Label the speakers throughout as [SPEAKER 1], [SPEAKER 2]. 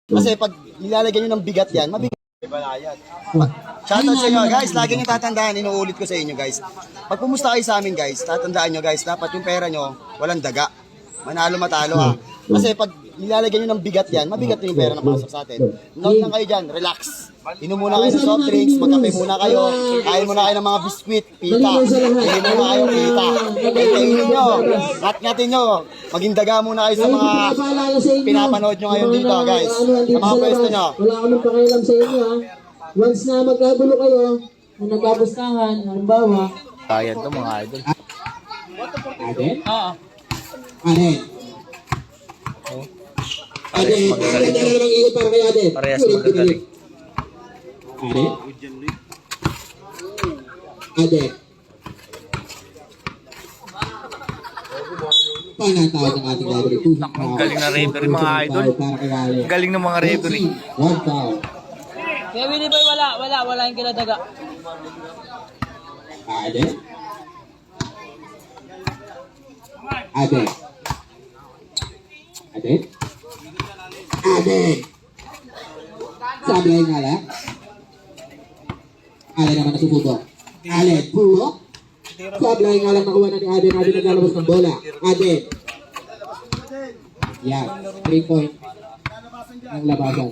[SPEAKER 1] Kasi pag nilalagyan nyo ng bigat yan, mabigat. Shoutout sa inyo guys, lagi nyo tatandaan, inuulit ko sa inyo guys. Pag pumusta kayo sa amin guys, tatandaan nyo guys, dapat yung pera nyo, walang daga. Manalo matalo ha. Kasi pag nilalagyan nyo ng bigat yan, mabigat yung pera na pasok sa atin. Note lang kayo dyan, relax. Inom muna kayo ng soft drinks, magkape muna kayo, kain muna kayo ng mga biskwit, pita. Kain muna kayo, pita. Kainin nyo, ngat-ngatin nyo. Maging daga muna kayo sa mga pinapanood nyo ngayon dito guys. Sa mga pwesto nyo.
[SPEAKER 2] Wala kaming pakialam sa inyo ha. Once na magkagulo kayo, na nagkapustahan, halimbawa.
[SPEAKER 3] Kaya to mga idol.
[SPEAKER 2] Aden?
[SPEAKER 3] Oo.
[SPEAKER 2] Aden. Aden, Aden, na namang ikot para kay Aden.
[SPEAKER 3] Parehas magagaling.
[SPEAKER 2] Aden? Aden. Paano ang tawag ng ating library?
[SPEAKER 3] Ang galing na referee mga idol. Ang galing ng mga referee.
[SPEAKER 2] One foul.
[SPEAKER 4] Kaya Willie Boy, wala yung kinadaga.
[SPEAKER 2] Aden? Aden? Aden? Aden! Sablay nga lang. Aden naman nasububok. Aden, puro. Sablay nga lang nakuha na ni Aden. Aden naglalabas ng bola. Aden. Yan. 3 point. Ang labasan.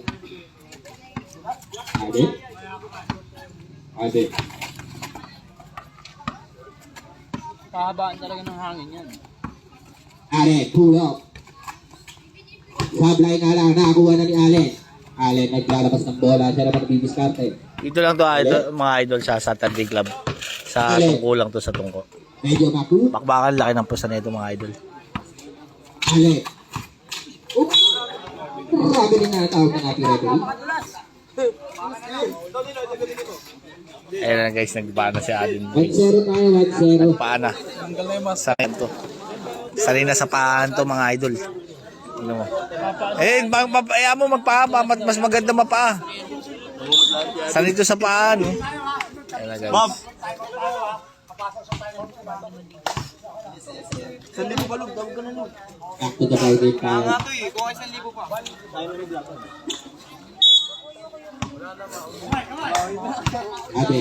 [SPEAKER 2] Aden. Aden.
[SPEAKER 4] Pahabaan talaga ng hangin yan.
[SPEAKER 2] Aden, puro. Sablay nga lang. Nakakuha na ni Aden. Aden naglalabas ng bola. Siya naman nabibiskarte.
[SPEAKER 3] Dito lang to idol, mga idol sa Saturday Club. Sa tungko lang to sa tungko.
[SPEAKER 2] Medyo mapu.
[SPEAKER 3] Bakbakan laki ng pusta nito mga idol.
[SPEAKER 2] Ale. Grabe rin natawag ng ating referee.
[SPEAKER 3] Ayan na guys, nagbana si Alin.
[SPEAKER 2] 1-0 tayo, 1-0.
[SPEAKER 3] Paana. Sa to. Sanay na sa paan to mga idol. Ano mo? Ayaw mo magpaa, mas maganda mapaa. Sanay to sa paan. Ayan na guys.
[SPEAKER 2] Back to the ball game tayo. Abe.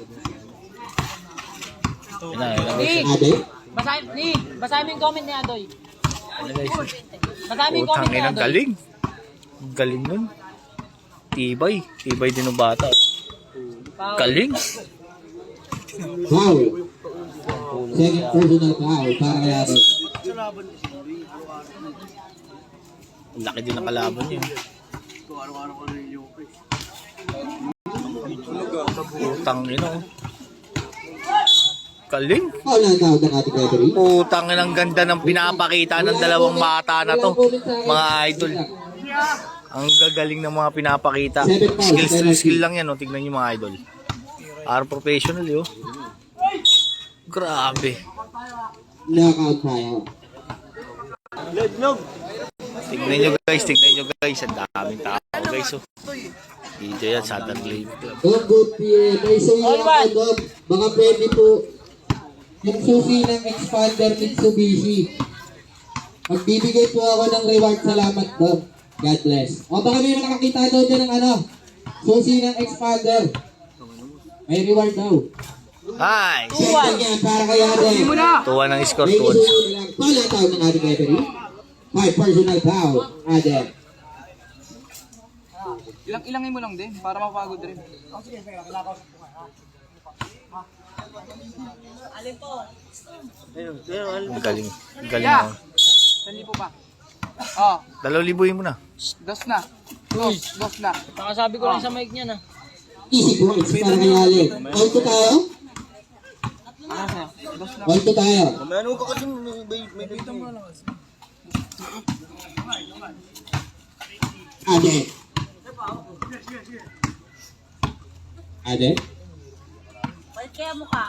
[SPEAKER 2] Abe.
[SPEAKER 4] Basahin mo yung comment ni Adoy.
[SPEAKER 3] Ayan guys.
[SPEAKER 4] Basahin mo yung comment
[SPEAKER 3] Utang
[SPEAKER 4] ni
[SPEAKER 3] ina,
[SPEAKER 4] Adoy.
[SPEAKER 3] galing. Galing nun. Tibay. Tibay din ng bata. Galing.
[SPEAKER 2] Foul. Second personal foul para kay Abe.
[SPEAKER 3] Ang laki din ng kalaban niya. Utang ina. Galing.
[SPEAKER 2] Foul na ang tawag ng ating referee.
[SPEAKER 3] Utang ina, ang ganda ng pinapakita ng dalawang bata na to. Mga idol. Ang gagaling ng mga pinapakita. Skill lang yan. Oh. Tignan nyo mga idol. Are professional yun. Grabe.
[SPEAKER 2] Knockout tayo.
[SPEAKER 3] Tignan nyo guys. Ang daming tao guys. Oh. Dito yan, Saturday Club.
[SPEAKER 2] Dog good PA. May say lang ako, Dog. Baka pwede po yung susi ng Expander Mitsubishi. Magbibigay po ako ng reward. Salamat, Dog. God bless. O baka may nakakita daw din ng susi ng Expander. May reward daw.
[SPEAKER 3] Nice!
[SPEAKER 2] Second yan para kay Ade.
[SPEAKER 3] Tuwa ng score,
[SPEAKER 2] May
[SPEAKER 3] tuwa.
[SPEAKER 2] isusunod na lang. Foul ang tawag ng ating referee. May personal foul. Ade.
[SPEAKER 4] Ilangin mo lang din para mapagod rin.
[SPEAKER 3] Ang galing. Ang galing mo.
[SPEAKER 4] 1,000 pa. Oh,
[SPEAKER 3] 2,000 mo na.
[SPEAKER 4] dos na. Dos na. Nakasabi ko lang sa mic niya na.
[SPEAKER 2] Easy points para kay Ale. All to tayo? All to tayo. Ade. Ade?
[SPEAKER 4] Balik kaya mukha.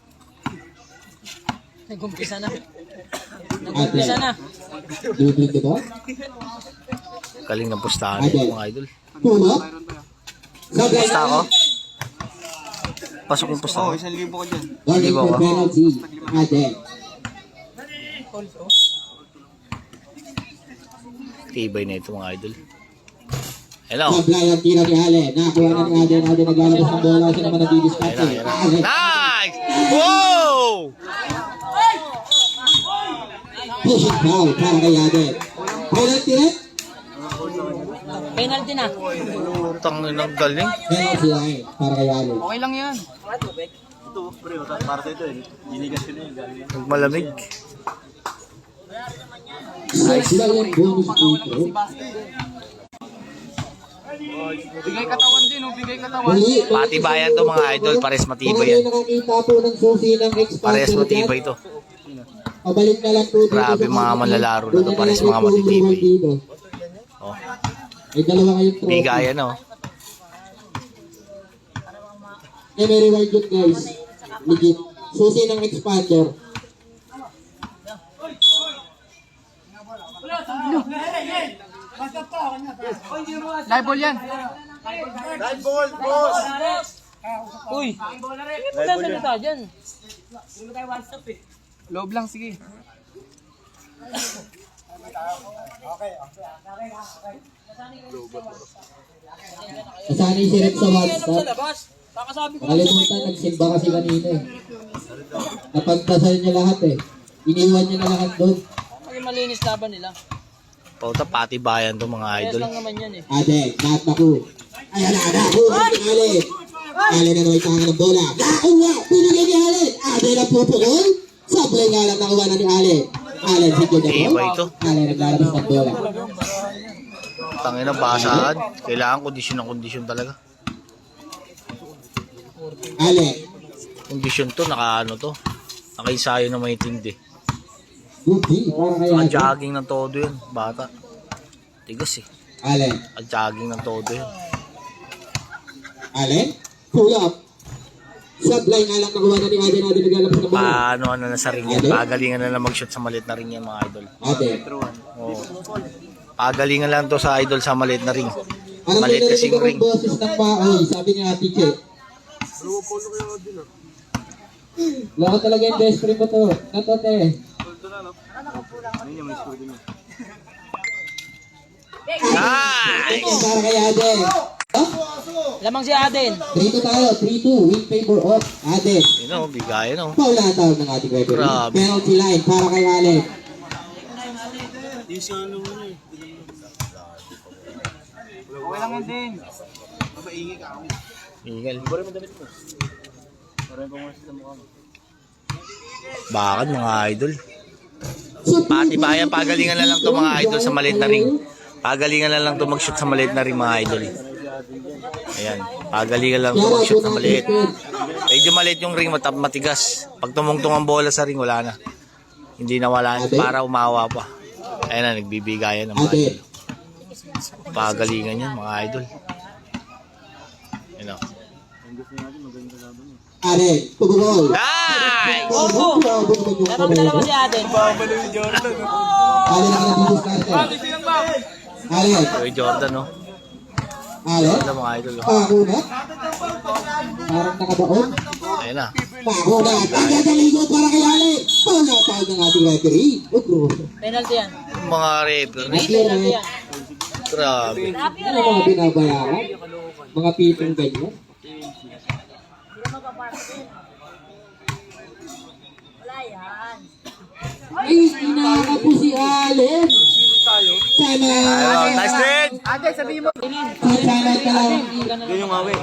[SPEAKER 4] Nag-umpisa na.
[SPEAKER 2] Ade.
[SPEAKER 4] na.
[SPEAKER 2] Dublig ito?
[SPEAKER 3] Galing ng pustahan nito mga idol.
[SPEAKER 2] Puno? Sablay
[SPEAKER 3] Pusta
[SPEAKER 2] na.
[SPEAKER 3] ako? Pasok yung pusta ko.
[SPEAKER 4] 1,000 ko dyan.
[SPEAKER 2] Warning
[SPEAKER 3] Di ba
[SPEAKER 2] for
[SPEAKER 3] ako?
[SPEAKER 2] penalty. Ade.
[SPEAKER 3] Tibay na ito mga idol. Hello.
[SPEAKER 2] Sablay ang tira ni Allen. Nakuha na ni Allen. Allen naglalabas ng bola. Siya naman nagdidiskarte. Allen.
[SPEAKER 3] Nice! Wow!
[SPEAKER 2] Pushing foul para kay Allen. Penalty rin.
[SPEAKER 4] Penalty na.
[SPEAKER 3] Utang ng galing.
[SPEAKER 2] Penalty line para kay Allen.
[SPEAKER 4] Okay lang yan.
[SPEAKER 3] Malamig.
[SPEAKER 2] Sablay ang bonus dito.
[SPEAKER 4] Bigay katawan din, oh. Bigay katawan.
[SPEAKER 2] Muli.
[SPEAKER 3] Patibayan to mga idol. Pares matibay yan.
[SPEAKER 2] Mga nakakita po ng susi ng expander.
[SPEAKER 3] Pares matibay to.
[SPEAKER 2] Pabalik na lang po dito.
[SPEAKER 3] Grabe
[SPEAKER 2] sa
[SPEAKER 3] mga
[SPEAKER 2] kanila.
[SPEAKER 3] manlalaro na to.
[SPEAKER 2] Doon na
[SPEAKER 3] Pares
[SPEAKER 2] lang
[SPEAKER 3] mga
[SPEAKER 2] po
[SPEAKER 3] matitibay.
[SPEAKER 2] umuwan dito.
[SPEAKER 3] Oh.
[SPEAKER 2] May dalawa kayong trophy.
[SPEAKER 3] Bigayan oh.
[SPEAKER 2] May reward yun guys. Legit. Susi ng expander.
[SPEAKER 4] Live ball yan. Live ball, boss. Uy. Wala salita dyan. Loob lang, sige.
[SPEAKER 2] Nasanay si Rex sa WhatsApp.
[SPEAKER 4] Labas. Kakasabi ko.
[SPEAKER 2] Nakalimutan, nagsimba kasi kanina eh. Napagdasal niya lahat eh. Iniwan niya na lahat doon.
[SPEAKER 4] Ay, malinis laban nila.
[SPEAKER 3] Pauta patibayan to mga
[SPEAKER 4] Ayos
[SPEAKER 3] idol.
[SPEAKER 4] lang naman yan eh.
[SPEAKER 2] Ade, lahat naku. Ayan na, naku. Ale. Ale na naman itangan ng bola. Nakuha, pinigay ni Ale. Ade na pupukol. Sablay nga lang nakuha na ni Ale. Ale, sige na po.
[SPEAKER 3] Iba ito.
[SPEAKER 2] Ale, naglalabas ng bola.
[SPEAKER 3] Tangina basahan. Kailangan kondisyon talaga.
[SPEAKER 2] Ale.
[SPEAKER 3] Kondisyon to, nakaano to. Nakaisayo na may tindi.
[SPEAKER 2] Buti, para kay Ale.
[SPEAKER 3] Jogging ng todo yun, bata. Tigas eh.
[SPEAKER 2] Ale.
[SPEAKER 3] Jogging ng todo yun.
[SPEAKER 2] Ale. Pull up. Sablay nga lang nakuha na ni Ade na naglalabas ng bola.
[SPEAKER 3] Paano na sa ring yan? Pagalingan na lang mag-shoot sa maliit na ring yan mga idol.
[SPEAKER 2] Ade.
[SPEAKER 3] Oo. Pagalingan lang to sa idol sa maliit na ring.
[SPEAKER 2] Parang
[SPEAKER 3] Maliit
[SPEAKER 2] may
[SPEAKER 3] kasing
[SPEAKER 2] narinig akong
[SPEAKER 3] ring.
[SPEAKER 2] boses ng maoy, sabi ni Ate Che. Loko talaga yung best friend ko to. Natote.
[SPEAKER 3] Nice!
[SPEAKER 2] Para kay Aden. Oh,
[SPEAKER 4] Lamang si Aden.
[SPEAKER 2] 3-2 tayo. 3-2. Win favor of Aden.
[SPEAKER 3] Yun o, bigayan o.
[SPEAKER 2] Paula ang tawag ng ating referee.
[SPEAKER 3] Grabe.
[SPEAKER 2] Penalty line para kay Allen.
[SPEAKER 4] Okay lang yan din.
[SPEAKER 3] Ingal. Bakit mga idol? Patibayan, pagalingan na lang to mga idol sa maliit na ring. Pagalingan na lang to mag-shoot sa maliit na ring mga idol. Ayan, pagalingan lang to mag-shoot sa maliit. Medyo maliit yung ring, matigas. Pag tumungtong ang bola sa ring, wala na. Hindi na wala na, para umawa pa. Ayan na, nagbibigayan ng mga
[SPEAKER 2] Aden.
[SPEAKER 3] idol. Pagalingan yan mga idol. Ayan o.
[SPEAKER 2] Allen. Pagugol.
[SPEAKER 3] Nice!
[SPEAKER 4] Opo. Lamang dalawa si Aden.
[SPEAKER 2] Allen ang nagdidiskarte. Allen.
[SPEAKER 3] Joy Jordan o.
[SPEAKER 2] Allen.
[SPEAKER 3] Ayan mga idol o.
[SPEAKER 2] Pakuna. Parang nakabaon.
[SPEAKER 3] Ayan na.
[SPEAKER 2] Pakuna. Pagkakaligot para kay Allen. Paula ang tawag ng ating referee. Ugro.
[SPEAKER 4] Penalty yan.
[SPEAKER 3] Mga referee.
[SPEAKER 4] Penalty yan.
[SPEAKER 3] Grabe.
[SPEAKER 2] Ano mga binabayaran? Mga pitong ganyan? Ay, inaka po si Allen. Sana.
[SPEAKER 3] Nice din!
[SPEAKER 4] Aden, sabihin mo.
[SPEAKER 2] Sana ka lang.
[SPEAKER 3] Yun yung awi.